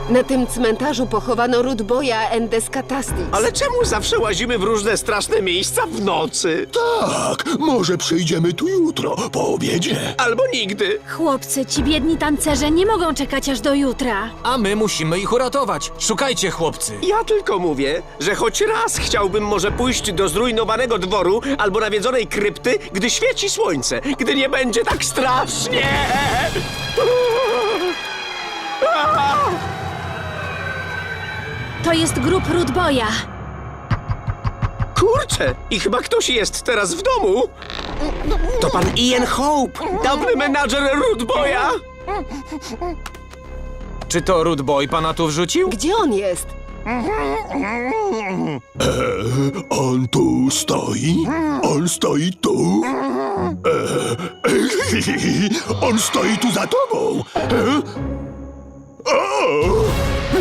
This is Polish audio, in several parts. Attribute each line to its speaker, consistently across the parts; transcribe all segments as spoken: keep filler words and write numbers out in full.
Speaker 1: Na tym cmentarzu pochowano Rudboya Endescatastix.
Speaker 2: Ale czemu zawsze łazimy w różne straszne miejsca w nocy?
Speaker 3: Tak, może przyjdziemy tu jutro, po obiedzie.
Speaker 2: Albo nigdy.
Speaker 4: Chłopcy, ci biedni tancerze nie mogą czekać aż do jutra.
Speaker 5: A my musimy ich uratować. Szukajcie, chłopcy.
Speaker 2: Ja tylko mówię, że choć raz chciałbym może pójść do zrujnowanego dworu albo nawiedzonej krypty, gdy świeci słońce, gdy nie będzie tak strasznie.
Speaker 4: To jest grób Rudboya.
Speaker 2: Kurczę, i chyba ktoś jest teraz w domu. To pan Ian Hope, dawny menadżer Rudboya.
Speaker 5: Czy to Rude Boy pana tu wrzucił?
Speaker 1: Gdzie on jest?
Speaker 3: On tu stoi? On stoi tu? Eee, on stoi tu za tobą! Eee? O!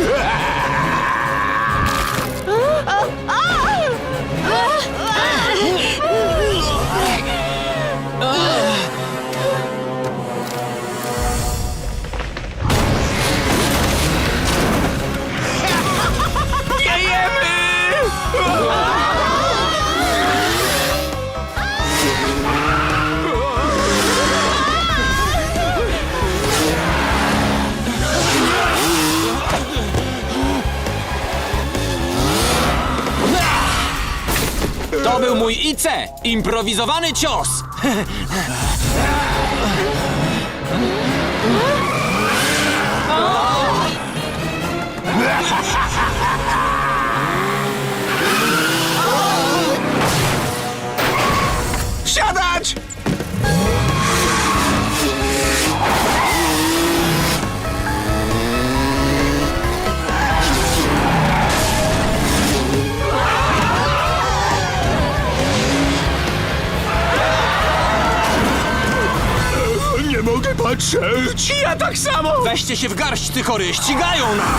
Speaker 5: To był mój I C! Improwizowany cios!
Speaker 2: Siadać!
Speaker 3: Nie mogę patrzeć!
Speaker 2: Ja tak samo!
Speaker 5: Weźcie się w garść, ty chory! Ścigają nas!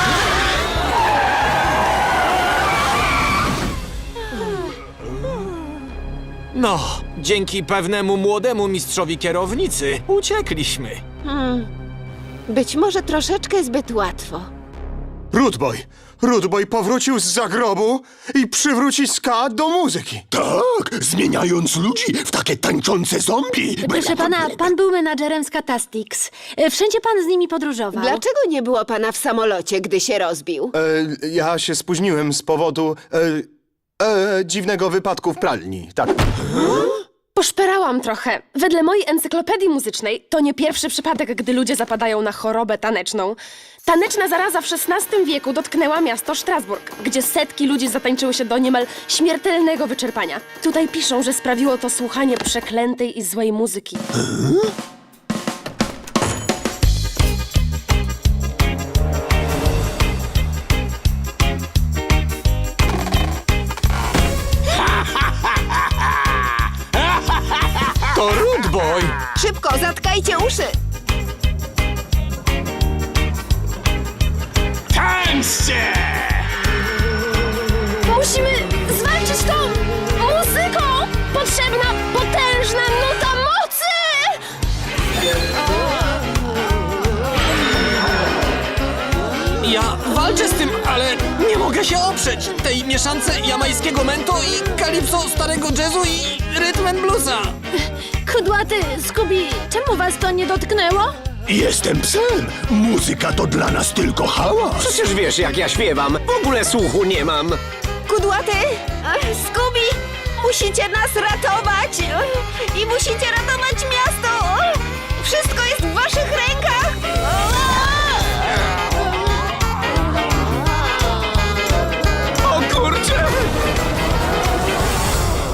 Speaker 5: No, dzięki pewnemu młodemu mistrzowi kierownicy uciekliśmy.
Speaker 1: Być może troszeczkę zbyt łatwo.
Speaker 6: Rudboy! Rudboy powrócił z zagrobu i przywróci ska do muzyki.
Speaker 3: Tak, zmieniając ludzi w takie tańczące zombie.
Speaker 4: Proszę pana, pan był menadżerem Scatastix. E, Wszędzie pan z nimi podróżował.
Speaker 1: Dlaczego nie było pana w samolocie, gdy się rozbił?
Speaker 6: E, ja się spóźniłem z powodu e, e, dziwnego wypadku w pralni. Tak.
Speaker 7: Poszperałam trochę. Wedle mojej encyklopedii muzycznej to nie pierwszy przypadek, gdy ludzie zapadają na chorobę taneczną. Taneczna zaraza w szesnastym wieku dotknęła miasto Strasburg, gdzie setki ludzi zatańczyły się do niemal śmiertelnego wyczerpania. Tutaj piszą, że sprawiło to słuchanie przeklętej i złej muzyki.
Speaker 5: To Rude Boy!
Speaker 1: Szybko, zatkajcie uszy!
Speaker 2: Tańczcie!
Speaker 7: Musimy zwalczyć tą muzyką! Potrzebna potężna nuta mocy!
Speaker 5: Ja walczę z tym, ale nie mogę się oprzeć tej mieszance jamańskiego mento i kalipso starego jazzu i rytm and bluesa.
Speaker 4: Kudłaty, Scooby, czemu was to nie dotknęło?
Speaker 3: Jestem psem! Muzyka to dla nas tylko hałas!
Speaker 2: Przecież wiesz, jak ja śpiewam. W ogóle słuchu nie mam.
Speaker 1: Kudłaty! Ach, Scooby! Musicie nas ratować!